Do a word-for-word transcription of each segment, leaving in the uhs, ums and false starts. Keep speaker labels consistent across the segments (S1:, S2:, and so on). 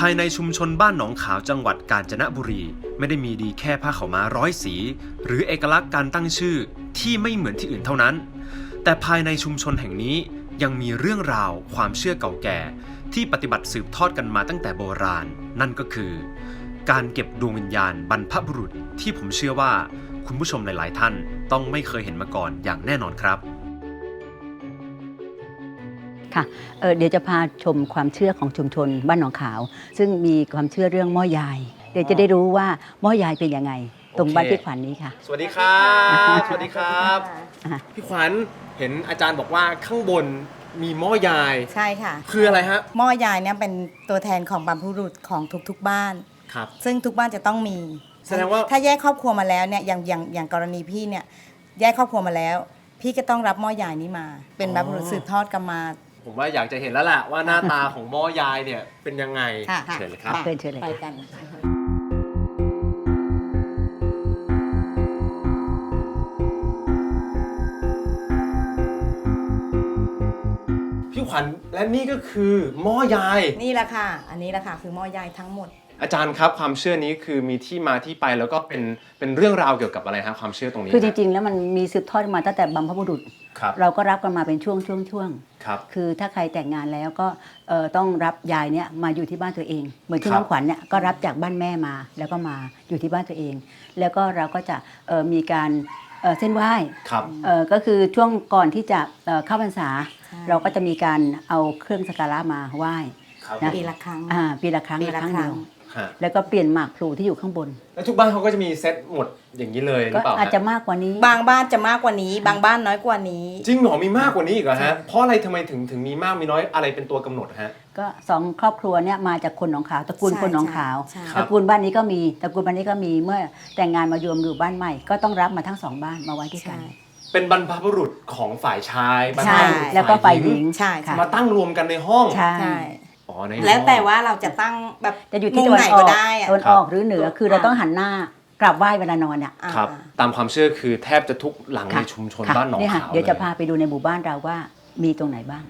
S1: ายในชุมชนบ้านหนองขาวจังหวัดกาญจนบุรีไม่ได้มีดีแค่ผ้าขาวม้าร้อยสีหรือเอกลักษณ์การตั้งชื่อที่ไม่เหมือนที่อื่นเท่านั้นแต่ภายในชุมชนแห่งนี้ยังมีเรื่องราวความเชื่อเก่าแก่ที่ปฏิบัติสืบทอดกันมาตั้งแต่โบราณนั่นก็คือการเก็บดวงวิญญาณบรรพบุรุษที่ผมเชื่อว่าคุณผู้ชมหลายๆท่านต้องไม่เคยเห็นมาก่อนอย่างแน่นอนครับ
S2: ค่ะเเดี๋ยวจะพาชมความเชื่อของชุมชนบ้านหนองขาวซึ่งมีความเชื่อเรื่องหม้อยายเดี๋ยวจะได้รู้ว่าหม้อยายเป็นยังไงตรงบ้านพี่ขวัญนี้ค่ะ
S1: สวัสดีครับสวัสดีครับพี่ขวัญเห็นอาจารย์บอกว่าข้างบนมีหม้อยาย
S3: ใช่ค่ะ
S1: คืออะไรฮะ
S3: หม้อยายเนี่ยเป็นตัวแทนของบรรพบุรุษของทุกๆบ้าน
S1: ครับ
S3: ซึ่งทุกบ้านจะต้องมี
S1: แสดงว่า
S3: ถ้าแยกครอบครัวมาแล้วเนี่ยอย่างอย่างอย่างกรณีพี่เนี่ยแยกครอบครัวมาแล้วพี่ก็ต้องรับหม้อยายนี้มาเป็นบรรพบุรุษสืบทอดกันมา
S1: ผมว่าอยากจะเห็นแล้วแหละว่าหน้าตาของหม้อยายเนี่ยเป็นยังไงเชิญเลยครับ
S2: เชิญเชิญเลย
S3: ไปกัน
S1: พี่ขวัญและนี่ก็คือหม้อยาย
S3: นี่แหละค่ะอันนี้แหละค่ะคือหม้อยายทั้งหมด
S1: อาจารย์ครับความเชื่อนี้คือมีที่มาที่ไปแล้วก็เป็นเป็นเรื่องราวเกี่ยวกับอะไรครับความเชื่อตรงนี้
S2: คือจริงๆแล้วมันมีสืบทอดมาตั้งแต่บรรพบุรุษเราก็รับกันมาเป็นช่วงช่วงช่วงคือถ้าใครแต่งงานแล้วก็ต้องรับยายเนี่ยมาอยู่ที่บ้านตัวเองเหมือนที่น้องขวัญเนี่ยก็รับจากบ้านแม่มาแล้วก็มาอยู่ที่บ้านตัวเองแล้วก็เราก็จะมีการเส้นไหว้ก็คือช่วงก่อนที่จะเข้าพรรษาเราก็จะมีการเอาเครื่องสักการะมาไหว้
S3: ปีละครั้ง
S2: ปีละครั้งละครั้งเดียวแล้วก็เปลี่ยนหมากพลูที่อยู่ข้างบน
S1: แล้วทุกบ้านเขาก็จะมีเซตหมดอย่างนี้เลยหรือเปล่า
S2: อาจจะมากกว่านี้
S3: บางบ้านจะมากกว่านี้บางบ้านน้อยกว่านี้
S1: จริงเหรอมีมากกว่านี้อีกเหรอฮะเพราะอะไรทำไมถึงถึงมีมากมีน้อยอะไรเป็นตัวกำหนดฮะ
S2: ก็สองครอบครัวเนี่ยมาจากคนหนองขาวตระกูลคนหนองขาวตระกูลบ้านนี้ก็มีตระกูลบ้านนี้ก็มีเมื่อแต่งงานมารวมอยู่บ้านใหม่ก็ต้องรับมาทั้งสองบ้านมาไว้ที่กัน
S1: เป็นบรรพบุรุษของฝ่ายชายบรรพบุรุษ
S2: แล้วก็ฝ่ายหญิง
S1: มาตั้งรวมกันในห้อง
S2: ใช่
S3: แล้วแต่ว่าเราจะตั้งแบบ
S2: จะอยู่ที่ตะวันออกตะวันออกหรือเหนือคือเราต้องหันหน้ากราบไหว้เวลานอนอ่ะ
S1: ครับตามความเชื่อคือแทบจะทุกหลังในชุมชนบ้านหนองขาว
S2: เดี๋ยวจะพาไปดูในหมู่บ้านเราว่ามีตรงไหนบ้าง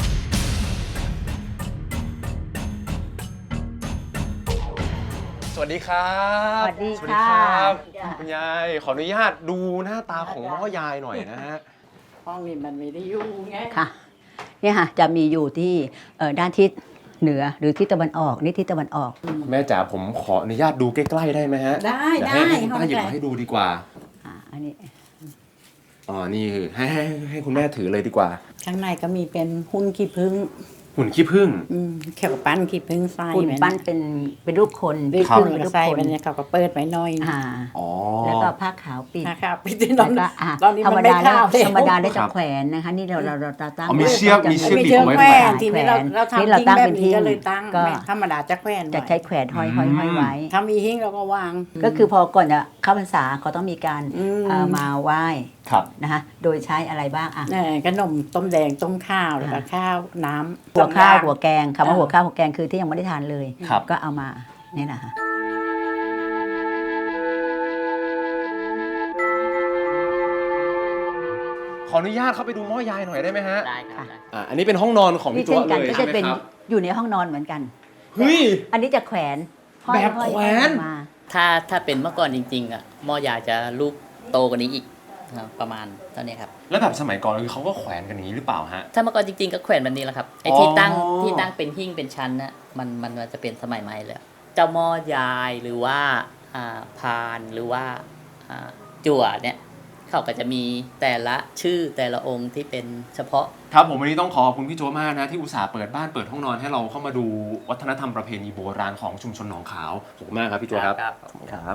S1: สวัสดีครับ
S2: สวัสดีค่ะ
S1: คุณยายขออนุญาตดูหน้าตาของหม้อยายหน่อยนะฮะ
S4: ห้องนี้มันไม่ได้อยู่ไง
S2: ค่ะเนี่ยค่ะจะมีอยู่ที่ด้านทิศเหนือหรือทิศตะวันออกนี่ทิศตะวันออก
S1: แม่จ๋าผมขออนุญาตดูใกล้ๆได้ไหมฮะ
S4: ได้ได้
S1: ให้คุณป้าหยิบมาให้ดูดีกว่า
S2: อ่าอันนี้
S1: อ๋อนี่คือให้ให้ให้คุณแม่ถือเลยดีกว่า
S4: ข้างในก็มีเป็นหุ้นขี้ผึ้ง
S1: หุ่นขี้ผึ้ง
S4: แค่ปั้นขี้ผึ้งใส่
S2: หุ่นปั้นเป็นเป็นรูปคน
S4: ด้วยพึ่งใส่มันเนี่ยเขาก็เปิดไว้หน่อย
S2: แล้วก็ผ้าขาวปิด
S4: ผ้าขาวปิดตอน
S2: ตอนนี้ธรรมดาแล้วธรรมดาได้จะแขวนนะคะนี่เราเราเราตั้ง
S1: มีเชือกมีเชือกติดไว้
S4: แขวนทีนี้เราเราทำทิ้งแบบนี้ก็เลยตั้งธรรมดาจะแขวน
S2: จะใช้แขวนห้อยห้อยห้อยไว้
S4: ถ้ามีหิ้งเราก็วาง
S2: ก็คือพอก่อนจะเข้าพรรษาเขาต้องมีการมาไหว้นะคะโดยใช้อะไรบ้างอ่ะ
S4: ขนมต้มแดงต้มข้าวแล้วก็ข้าวน้ำ
S2: หัวข้าวหัวแกงคำว่าหัวข้าวหัวแกงคือที่ยังไม่ได้ทานเลยก็เอามานี่แหละค่ะ
S1: ขออนุญาตเข้าไปดูหม้อยายหน่อยได้ไหมฮะ
S4: ได้ค่ะ
S1: อ่าอันนี้เป็นห้องนอนของพี่โจ้เลย
S2: ก็จะเป็นอยู่ในห้องนอนเหมือนกัน
S1: เฮ้ย
S2: อันนี้จะแขวน
S1: แบบแขวน
S5: ถ้าถ้าเป็นเมื่อก่อนจริงๆอ่ะหม้อยายจะลูกโตกว่านี้อีกประมาณเท่านี้ครับ
S1: แล้วแบบสมัยก่อนคือเขาก็แขวนกันอย่างนี้หรือเปล่าฮะ
S5: ถ้าเมื่อก่อนจริงๆก็แขวนแบบนี้แหละครับไอ้ที่ตั้งที่ตั้งเป็นหิ้งเป็นชั้นน่ะมันมันจะเป็นสมัยใหม่เลยเจ้าหม้อยายหรือว่าพานหรือว่าจั่วเนี่ยเขาก็จะมีแต่ละชื่อแต่ละองค์ที่เป็นเฉพาะ
S1: ครับผมวันนี้ต้องขอขอบคุณพี่โจ้มากนะที่อุตส่าห์เปิดบ้านเปิดห้องนอนให้เราเข้ามาดูวัฒนธรรมประเพณีโบราณของชุมชนหนองขาวขอบคุณมากครับพี่โจ้ครับครับ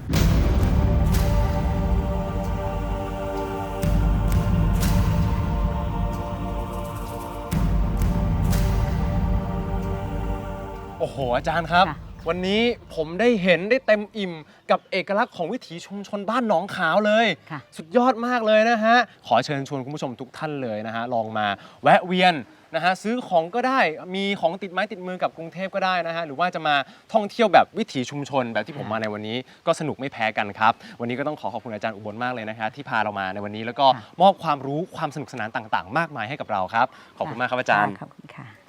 S1: โอ้โหอาจารย์ครับวันนี้ผมได้เห็นได้เต็มอิ่มกับเอกลักษณ์ของวิถีชุมชนบ้านหนองขาวเลยสุดยอดมากเลยนะฮะขอเชิญชวนคุณผู้ชมทุกท่านเลยนะฮะลองมาแวะเวียนนะฮะซื้อของก็ได้มีของติดไม้ติดมือกับกรุงเทพก็ได้นะฮะหรือว่าจะมาท่องเที่ยวแบบวิถีชุมชนแบบที่ผมมาในวันนี้ก็สนุกไม่แพ้กันครับวันนี้ก็ต้องขอขอบคุณอาจารย์อุบลมากเลยนะคะที่พาเรามาในวันนี้แล้วก็มอบความรู้ความสนุกสนานต่างๆมากมายให้กับเราครับขอบคุณมากครับอาจารย์
S2: ขอบคุณค่ะ